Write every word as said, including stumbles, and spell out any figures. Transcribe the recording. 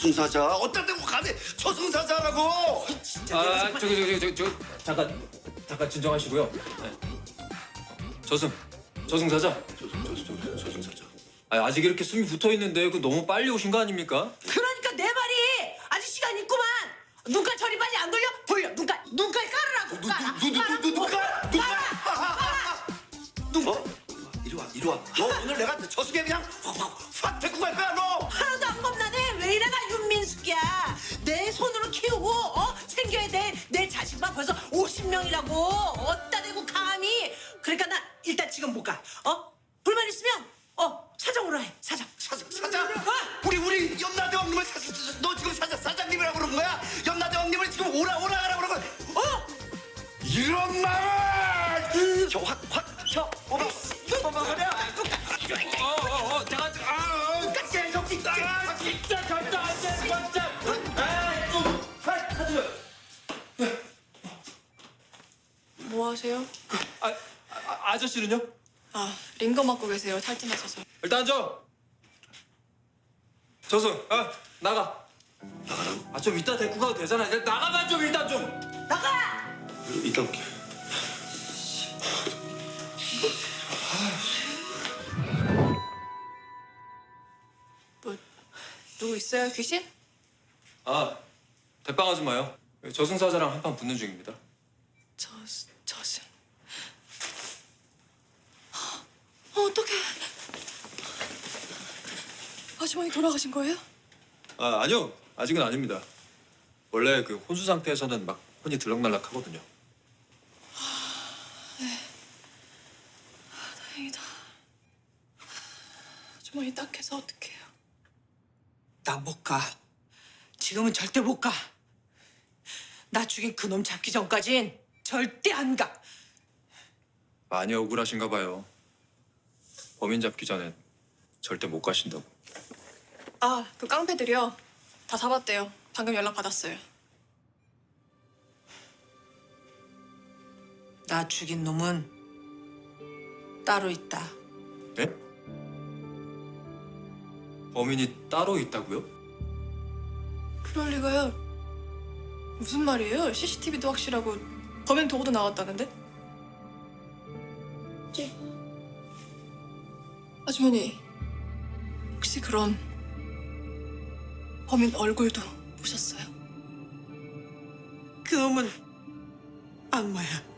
저승사자. 어따 대고 감히 저승사자라고. 진짜. 아 저기 저기 저기 저 잠깐 잠깐 진정하시고요. 네. 저승 저승사자. 저승 저승 저승사자. 아, 아직 이렇게 숨이 붙어 있는데 그 너무 빨리 오신 거 아닙니까? 그러니까 내 말이 아직 시간 있구만. 눈깔 저리 빨리 안 돌려? 돌려. 눈깔 눈깔 깔으라고. 깔아. 누누누누누누가 누가? 어? 이리 와 이리 와. 너 오늘 내가 저승에 그냥 확확 데리고 갈 거야 너. 하나도 안 겁나네. 왜 이래가 윤민숙이야. 내 손으로 키우고 어 챙겨야 돼. 내 자식만 벌써 오십 명이라고. 어따 대고 감히. 그러니까 나 일단 지금 못 가. 어? 불만 있으면 어 사정으로 해. 사정. 사장 사장. 어? 우리 우리 염라대 왕님을 사, 사, 너 지금 사장 사장님이라고 그러는 거야? 염라대 왕님을 지금 오라 오라 하라고 그러는 거야? 어? 이런 말을 저확확저 어머 어머 그래. 어어어 잠깐 아 계속 진짜 아, 진짜 절대 안 돼, 진짜. 아, 좀, 하, 하지 마. 뭐 하세요? 아, 아, 아저씨는요? 아, 링거 맞고 계세요. 탈진하셔서. 일단 앉아. 저승, 아, 나가. 나가라고? 아, 좀 이따 데리고 가도 되잖아. 일단 나가만 좀 일단 좀. 나가. 이따 올게. 뭐 누구 있어요? 귀신? 아, 대빵하지 마요. 저승사자랑 한판 붙는 중입니다. 저 저승. 어, 어떡해. 아주머니 돌아가신 거예요? 아, 아니요. 아직은 아닙니다. 원래 그 혼수 상태에서는 막 혼이 들락날락 하거든요. 다행이다. 아주머니 딱해서 어떡해요. 나 못 가. 지금은 절대 못 가. 나 죽인 그놈 잡기 전까진 절대 안 가. 많이 억울하신가 봐요. 범인 잡기 전엔 절대 못 가신다고. 아, 그 깡패들이요. 다 잡았대요. 방금 연락 받았어요. 나 죽인 놈은 따로 있다. 네? 범인이 따로 있다고요? 그럴 리가요. 무슨 말이에요? 씨씨티비도 확실하고 범인 도구도 나왔다는데? 네. 아주머니, 혹시 그런 범인 얼굴도 보셨어요? 그 놈은 악마야.